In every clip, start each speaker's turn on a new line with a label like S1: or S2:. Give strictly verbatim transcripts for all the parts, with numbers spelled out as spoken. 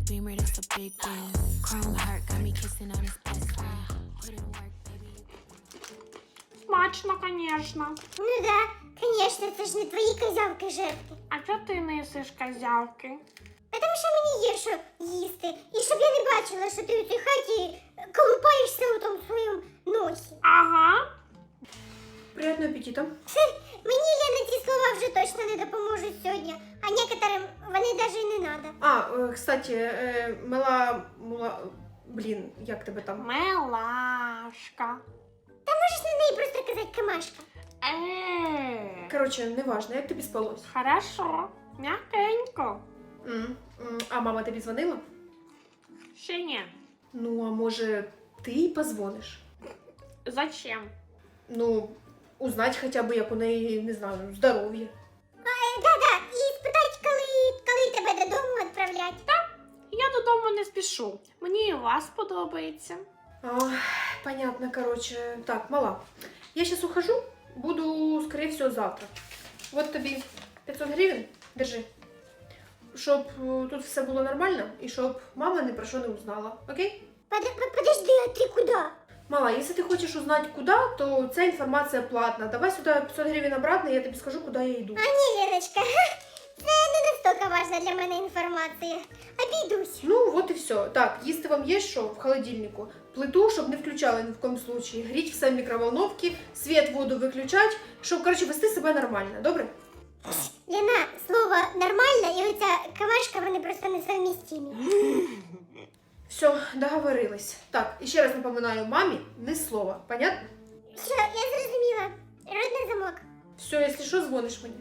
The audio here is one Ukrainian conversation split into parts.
S1: Beamer, that's a big deal. Chrome heart got me kissing on his best friend. Put in work, baby.
S2: Смачно, конечно.
S3: Ну да, конечно, це ж не твої козявки жерти.
S2: А чого ти не їсиш козявки?
S3: Тому що мені є що їсти. І щоб я не бачила, що ти у цій хаті колупаєшся у тому своєму носі.
S2: Ага.
S4: Приятного аппетита.
S3: Мені, Лена, ці слова вже точно не допоможуть сьогодні. А некоторим вони навіть і не треба.
S4: А, э, кстати, э, мала, мала, блин, як тебе там?
S2: Милашка.
S3: Та можеш на неї просто казати камашка.
S2: Е,
S4: Короче, неважно, як тобі спалось?
S2: Хорошо. М'якенько.
S4: М, м, А мама тобі дзвонила?
S2: Ще ні.
S4: Ну, а може, ти їй позвониш?
S2: Зачем?
S4: Ну, узнать хоча б, як у неї, не знаю, здоров'я.
S3: Да-да, і спитати, коли, коли тебе додому відправлять.
S2: Я додому не спішу. Мені і у вас подобається.
S4: А, понятно, короче. Так, мала, я сейчас ухожу, буду, скорее всего, завтра. Вот тобі пятьсот гривень, держи. Щоб е, тут все було нормально і щоб мама ні про що не узнала, окей?
S3: Под, под- подожди, а ти куди?
S4: Мала, если ты хочешь узнать куда, то ця інформація платна. Давай сюда пятьсот гривень обратно, я тобі скажу, куди я йду.
S3: А ні, Леночка, це не настільки важна для мене інформація. Обійдусь.
S4: Ну, вот і все. Так, їсти вам є що в холодильнику? Плиту, щоб не включали ні в коем случае. Гріть все в мікроволновці, світ, воду виключать, щоб, короче, вести себе нормально, добре?
S3: Лена, слово нормально і оця камашка, вони просто несовмістимі.
S4: Все, договорились. Так, і ще раз напоминаю мамі, ні слова, понятно?
S3: Все, я зрозуміла. Родний замок.
S4: Все, якщо що, дзвониш мені.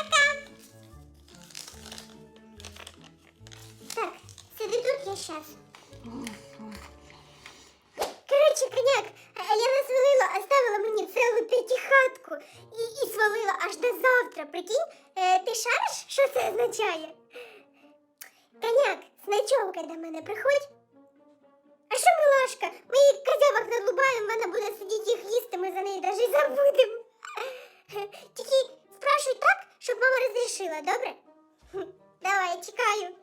S3: Так, сиди тут, я щас. Короче, коняк, Лена свалила, оставила мені цілу п'ятихатку і, і свалила аж до завтра. Прикинь, е, ти шариш, що це означає? Коняк, з ночовкою до мене приходь. А що, милашка, ми її козявок надлубаємо, вона буде сидіти їх їсти, ми за неї навіть забудемо. Тільки спрашуй так, щоб мама розрішила, добре? Хм, давай, я чекаю.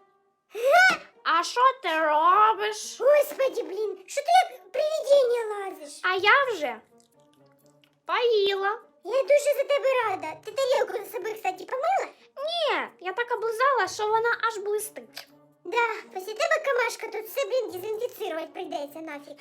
S2: А що ти робиш?
S3: Господи, блін, що ти як привидіння лазиш?
S2: А я вже поїла.
S3: Я дуже за тебе рада. Ти тарілку за собою, кстати, помила?
S2: Ні, я так облизала, що вона аж блистить.
S3: Да, після тебе камашка тут все, блін, дезінфіцирувати прийдеться нафіг.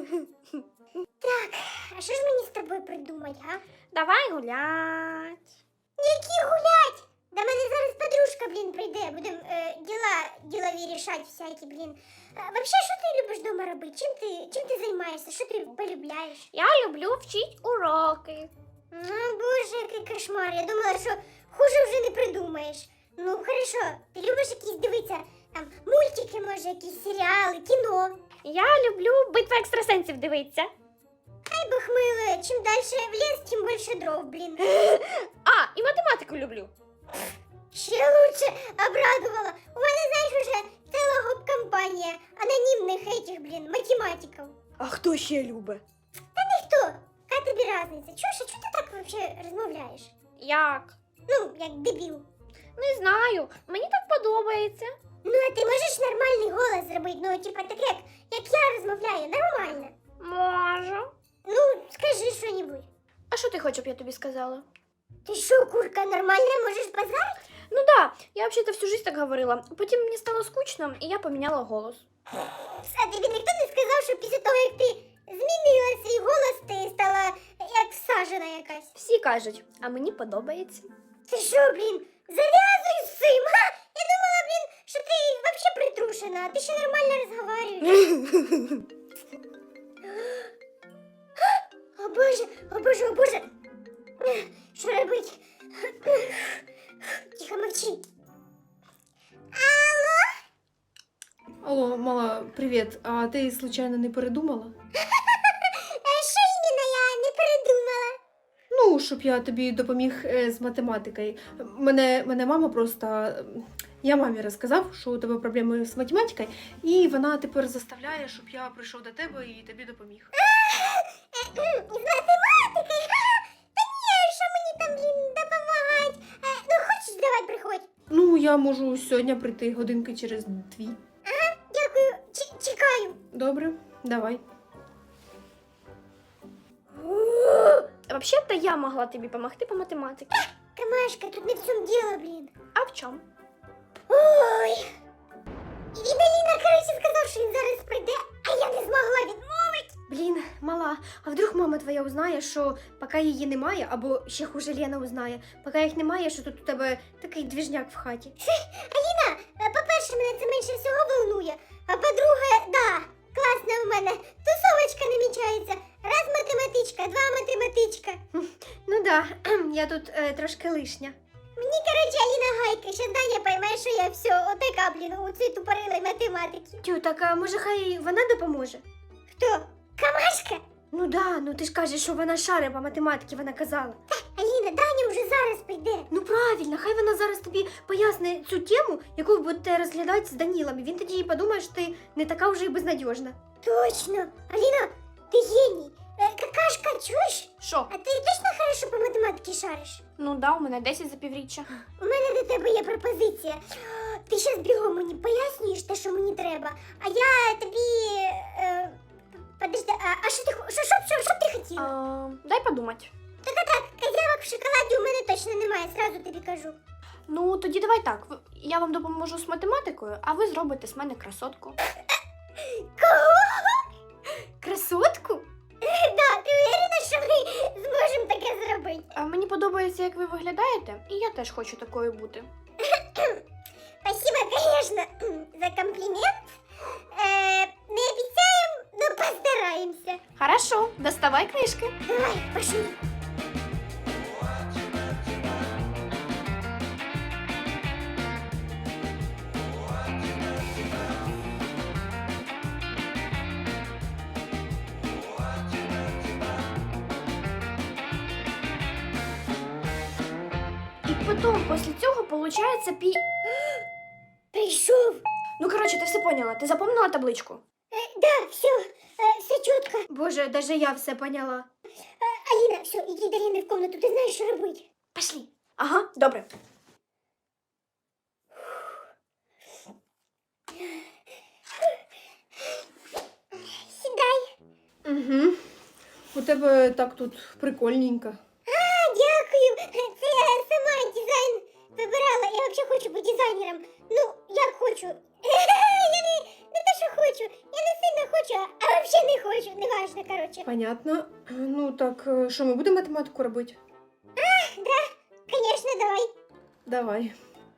S3: Так, а що ж мені з тобою придумати, а?
S2: Давай гулять.
S3: Які гулять? До мене зараз подружка, блін, прийде. Будемо е, діла ділові рішати всякі, блін. А, вообще, що ти любиш вдома робити? Чим ти, чим ти займаєшся? Що ти полюбляєш?
S2: Я люблю вчити уроки.
S3: Ну, боже, який кошмар. Я думала, що хуже вже не придумаєш. Ну, хорошо, ти любиш якісь дивитися, там, мультики, може, якісь серіали, кіно.
S2: Я люблю битву екстрасенсів дивитися.
S3: Ай, бог мило, чим далі в ліс, тим більше дров, блін.
S2: А, і математику люблю.
S3: Ще лучше обрадувала. У мене, знаєш, уже ціла гоп-компанія анонімних этих, блін, математиків.
S2: А хто ще любить?
S3: Та ніхто. Яка тобі різниця? Чуєш, а чого ти так вообще розмовляєш?
S2: Як?
S3: Ну, як дебіл.
S2: Не знаю, мені так подобається.
S3: Ну, а ти можеш нормальний голос зробити? Ну, типа, так як, як я розмовляю, нормально.
S2: Можу.
S3: Ну, скажи що-нибудь.
S2: А що ти хочеш, щоб я тобі сказала?
S3: Ти що, курка, нормально можеш базарити?
S2: Ну да, я вообще-то всю жизнь так говорила. Потім мені стало скучно, і я поміняла голос.
S3: А тобі ніхто не сказав, що після того, як ти змінила свій голос, ти стала як всажена якась?
S2: Всі кажуть, а мені подобається.
S3: Ти що, блін, зав'язуй з цим, га? Я думала, блін, що ти взагалі притрушена, а ти ще нормально розговорюєш. О боже, о боже, о боже. Що робить? Тихо, мовчи. Алло?
S4: Алло, мала, привіт. А ти случайно не передумала?
S3: А що іменно я не передумала?
S4: Ну, щоб я тобі допоміг е, з математикою. Мене, мене мама просто. е, Я мамі розказав, що у тебе проблеми з математикою, і вона тепер заставляє, щоб я прийшов до тебе і тобі допоміг.
S3: З математикою? Та ні, що мені там, блін, допомагати? Ну, хочеш, давай приходь.
S4: Ну, я можу сьогодні прийти годинки через дві.
S3: Ага, чекаю.
S4: Добре, давай.
S2: Вообще-то я могла тобі допомогти по математиці.
S3: Камашка, тут не в цьому діло, блін.
S2: А в чому?
S3: Ой. І він Аліна, коротше, сказав, що він зараз прийде, а я не змогла відмовити.
S5: Блін, мала, а вдруг мама твоя узнає, що поки її немає, або ще хуже Лена узнає, поки їх немає, що тут у тебе такий двіжняк в хаті.
S3: Аліна, е, по-перше, мене це менше всього волнує, а по-друге, да, класна в мене тусовочка намічається. Раз математичка, два математичка.
S5: Ну да, я тут е, трошки лишня.
S3: Мені, коротше, Аліна гайка, ще Даня пойме, що я все, отака, блін, у цій тупорилій математики.
S5: Тю, так а може хай вона допоможе?
S3: Хто? Камашка?
S5: Ну да, ну ти ж кажеш, що вона шари по математиці, вона казала.
S3: Аліна, Даня вже зараз прийде.
S5: Ну правильно, хай вона зараз тобі пояснить цю тему, яку ви будете розглядати з Данілом, і він тоді і подумає, що ти не така вже і безнадіжна.
S3: Точно. Аліна, ти геній. Е, Какашка, чуєш?
S2: Що?
S3: А ти точно хорошо по математиці шариш?
S2: Ну да, у мене десять за півріччя.
S3: У мене до тебе є пропозиція. Ти щас бігом мені пояснюєш те, що мені треба, а я тобі... Е, подожди, а, а що ти, хо- що, що, що, що б ти хотіла?
S2: А, дай подумати.
S3: Так-так, козявок в шоколаді у мене точно немає, зразу тобі кажу.
S2: Ну, тоді давай так. в- Я вам допоможу з математикою, а ви зробите з мене красотку.
S3: Кого?
S5: Красотку?
S3: Да, ти уверена, що ми зможемо таке зробити?
S2: А мені подобається, як ви виглядаєте, і я теж хочу такою бути.
S3: Спасибо, конечно, за комплімент. Е, не обіцяємо, но постараємося.
S2: Хорошо, доставай книжки.
S3: Давай, пошли.
S2: І потім, після цього, виходить пі...
S3: Прийшов.
S2: Ну, коротше, ти все поняла. Ти запомнила табличку?
S3: Е, да, все, е, все чітко.
S5: Боже, даже я все поняла.
S3: Аліна, все, іди до Ліни в комнату, ти знаєш, що робити.
S2: Пошли. Ага, добре.
S3: Сідай.
S4: Угу. У тебе так тут прикольненько.
S3: А, дякую. Це я сама дизайн вибирала. Я взагалі хочу бути дизайнером. Ну, як хочу. Я не, не те, що хочу. Я не сильно хочу, а взагалі не хочу. Неважно, коротше.
S4: Понятно. Ну так, е, що ми будемо математику робити?
S3: Звісно, давай.
S4: Давай.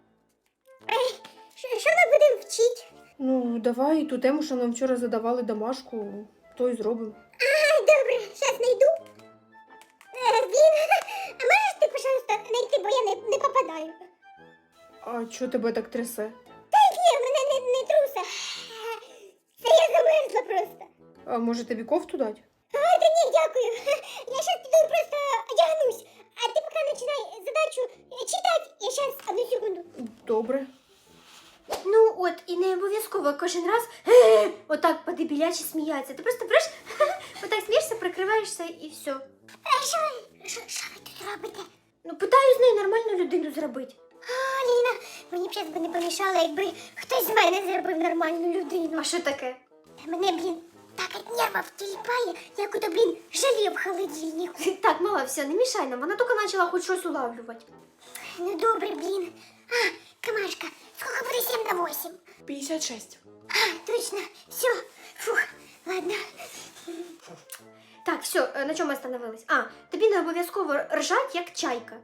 S3: Що що ми будемо вчити?
S4: Ну, давай ту тему, що нам вчора задавали домашку, то й зробимо.
S3: А, добре, зараз знайду. Е, Блін, а можеш ти, пожалуйста, знайти, бо я не, не попадаю.
S4: А чого тебе так трясе?
S3: Ні, мене не, не труса. Це я замерзла просто.
S4: А може тобі кофту дати?
S3: А, та ні, дякую. Я зараз піду просто одягнусь. А ти поки починай задачу читати. Я зараз, одну секунду.
S4: Добре.
S5: Ну от, і не обов'язково кожен раз «Е-е-е» отак по-дебілячі сміятися. Ти просто береш, отак смієшся, прикриваєшся і все.
S3: А що ви, що, що ви тут робите?
S5: Ну, питаю з нею нормальну людину зробити.
S3: А, Ліна, мені б зараз би не помішало, якби хтось з мене зробив нормальну людину.
S5: А що таке?
S3: Та мене, блін, так від нервів тіліпає, як ото, блін, желе в холодильнику.
S5: Так, мала, все, не мішай нам, вона тільки почала хоч щось улавлювати.
S3: Ну добре, блін. А, Камашка, сколько буде сім на восім?
S2: п'ятдесят шість.
S3: А, точно, все, фух, ладно.
S5: Так, все, е, на чому ми остановились? А, тобі не обов'язково ржать, як чайка.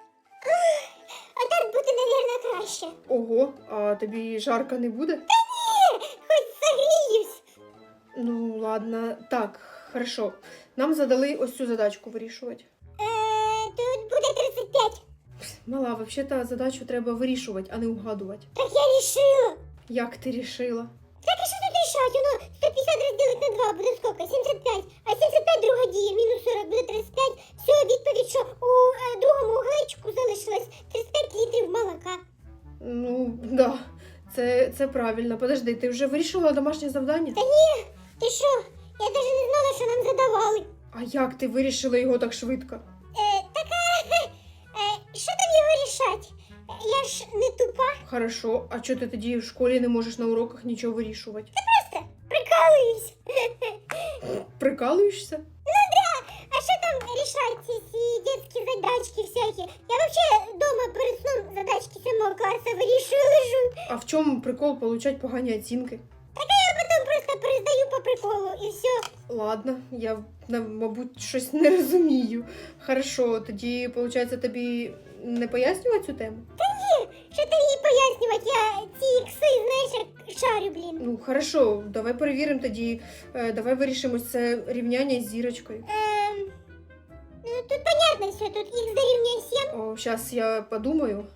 S3: А так буде, мабуть, краще.
S4: Ого, а тобі жарко не буде?
S3: Хоч согріюсь.
S4: Ну, ладно. Так, хорошо. Нам задали ось цю задачку вирішувати.
S3: Е, тут буде тридцять п'ять.
S4: Мала, взагалі-то задачу треба вирішувати, а не угадувати.
S3: Так я рішила.
S4: Як ти рішила?
S3: Так і що тут рішати? Воно сто п'ятдесят розділити на два буде скільки? сімдесят п'ять. А сімдесят п'ять друга дія, мінус сорок буде тридцять п'ять. Все, відповідь, що у е, другому углечку залишилось тридцять п'ять літрів молока.
S4: Ну, да. Це, це правильно. Подожди, ти вже вирішила домашнє завдання?
S3: Та ні, ти що? Я навіть не знала, що нам задавали.
S4: А як ти вирішила його так швидко?
S3: Е, так, е, е, що там його рішати? Я ж не тупа.
S4: Хорошо, а чого ти тоді в школі не можеш на уроках нічого вирішувати?
S3: Просто прикол. прикалуюсь.
S4: Прикалуєшся?
S3: А що там рішать ці всі дитячі задачки всякі? Я вообще дома перед сном задачки сьомого класу вирішую, лежу.
S4: А в чому прикол получать погані оцінки?
S3: Я потім просто перездаю по приколу і все.
S4: Ладно, я, на- мабуть, щось не розумію. Хорошо, тоді, виходить, тобі не пояснювати цю тему?
S3: Що ти їй пояснювати? Я ці ікси, знаєш, як шарю, блін.
S4: Ну, хорошо, давай перевіримо тоді. Е, давай вирішимо це рівняння з зірочкою.
S3: Ем, ну тут понятно все, тут х дорівнює сім.
S4: О, зараз я подумаю.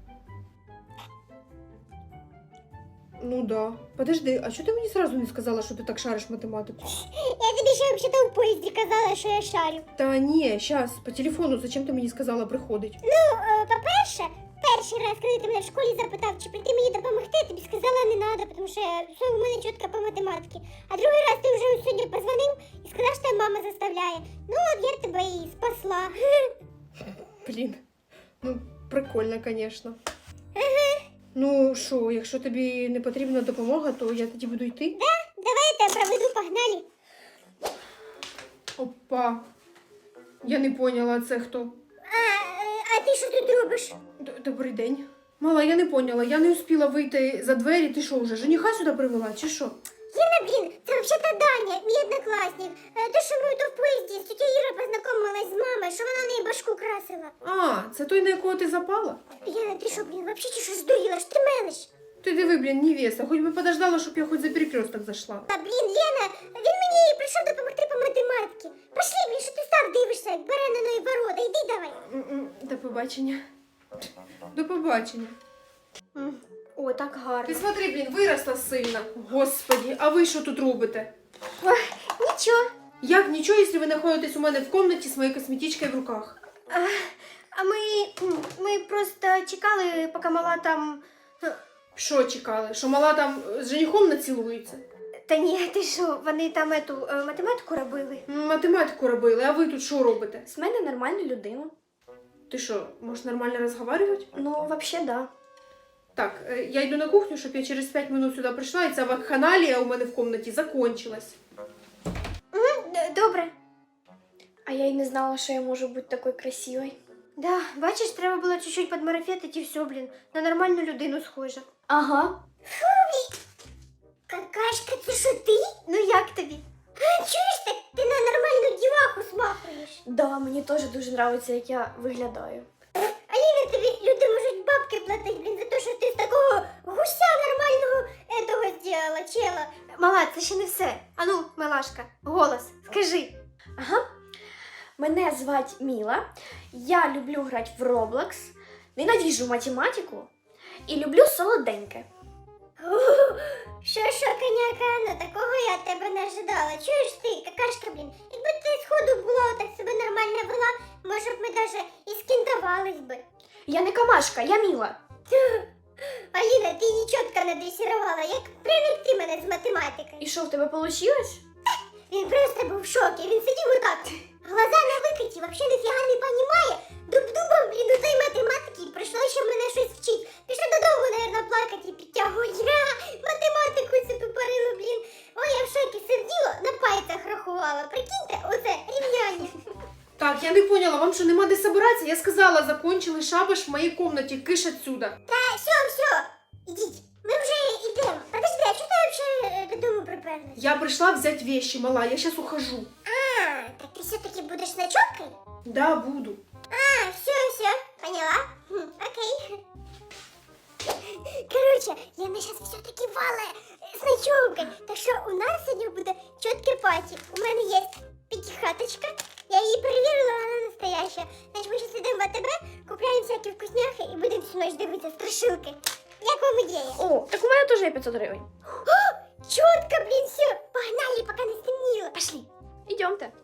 S4: Ну да. Подожди, а чого ти мені сразу не сказала, що ти так шариш математику?
S3: Я тобі ще взагалі в поїзді казала, що я шарю.
S4: Та ні, щас, по телефону, зачем ти мені сказала приходить?
S3: Ну, е, по-перше, перший раз, коли ти мене в школі запитав, чи прийти мені допомогти, я тобі сказала не треба, тому що все у мене чітко по математиці. А другий раз ти вже сьогодні позвонив і сказав, що тебе мама заставляє. Ну, от я тебе і спасла.
S4: Блін, ну прикольно, звісно. Ну що, якщо тобі не потрібна допомога, то я тоді буду йти.
S3: Давай я тебе проведу, погнали.
S4: Опа. Я не поняла, це хто.
S3: А, е, а ти що тут робиш?
S4: Д- Добрий день. Мала, я не поняла, я не успіла вийти за двері. Ти що вже, жениха сюди привела, чи що?
S3: Лена, блін, це взагалі Даня, мій однокласник. Е, То, що ми то в поїзді з тетя Іра познайомилась з мамою, що вона в неї башку красила.
S4: А, це той, на якого ти запала?
S3: Лена, ти що, блін, взагалі чи що здуріла? Що ти мелиш?
S4: Ти диви, блін, невеста, хоч би подождала, щоб я хоч за перекресток зайшла.
S3: Та, блін, Лена, він мені прийшов допомогти по математиці. Пошли, блін, що ти став дивишся, як бараниної ворота, йди давай.
S4: М-м, До побачення. До побачення.
S5: М, О, так гарно.
S4: Ти смотри, блін, виросла сильно. Господі, а ви що тут робите?
S5: Ой, нічого.
S4: Як нічого, якщо ви знаходитесь у мене в кімнаті з моєю косметичкою в руках?
S5: А, а ми, м, ми просто чекали, поки мала там... е,
S4: Що чекали? Що мала там з женихом націлується?
S5: Та ні, ти що, вони там ету е, математику робили.
S4: М, Математику робили, а ви тут що робите?
S2: З мене нормальна людина.
S4: Ти що, можеш нормально розговорювати?
S2: Ну, взагалі, да.
S4: Так, е, я йду на кухню, щоб я через п'ять минут сюди прийшла, і ця вакханалія у мене в кімнаті закончилась.
S5: Д- Добре.
S2: А я й не знала, що я можу бути такою красивою.
S5: Да, бачиш, треба було чуть-чуть подмарафетити і все, блін. На нормальну людину схожа.
S2: Ага.
S3: Какашка, це що ти?
S5: Ну як тобі?
S3: А, чуєш так? Ти на нормальну діваху смахуєш.
S2: Да, мені теж дуже подобається, як я виглядаю.
S3: Аліна, тобі люди можуть бабки платити, блін, за те, що ти з такого гуся нормального етого зробила, чела.
S5: Мала, це ще не все. Ану, милашка, голос, скажи.
S2: Ага. Мене звать Міла. Я люблю грати в Roblox, ненавіжу математику і люблю солоденьке.
S3: Ух, Що, що, коняка, ну такого я від тебе не ожидала. Чуєш ти, какашка, блін, якби ти сходу була, так себе нормально вела, може б ми даже і скінтовались би.
S2: Я не камашка, я Міла.
S3: Аліна, ти її чітко надресірувала, як привик ти мене з математики.
S2: І що, в тебе вийшло?
S3: Він просто був в шокі, він сидів отак, глаза на викриті, вообще ніфіга не понімає, дуб-дубом, блін, у той математики, і прийшло ще мене щось вчить. Пішла додому, наверно, плакати і підтягувати. Я математику цю тупорилу, блін. Ой, я в шокі сиділа, на пальцях рахувала, прикиньте, оце рівняння.
S4: Так, я не поняла, вам що нема де собиратися? Я сказала, закончили шабаш в моїй кімнаті, киш отсюда.
S3: Та все, все, ідіть, ми вже йдемо. Подожди, а чого ти взагалі додому приперлась?
S4: Я прийшла взяти вещи, мала, я зараз ухожу.
S3: А, так ти все-таки будеш ночовкою?
S4: Да, буду.
S3: А, все, все, поняла? Хм, окей. Короче, Лена сейчас все-таки вала с ночевкой. Так что у нас сегодня будет четкий пати. У меня есть пятихаточка. Я ее проверила, она настоящая. Значит, мы сейчас идем в АТБ, купляем всякие вкусняхи и будем всю ночь дивиться страшилки. Як вам ідея?
S2: О, так у мене теж є п'ятсот гривень.
S3: Четко, блин, все. Погнали, пока не стемнело.
S2: Пошли. Идемте.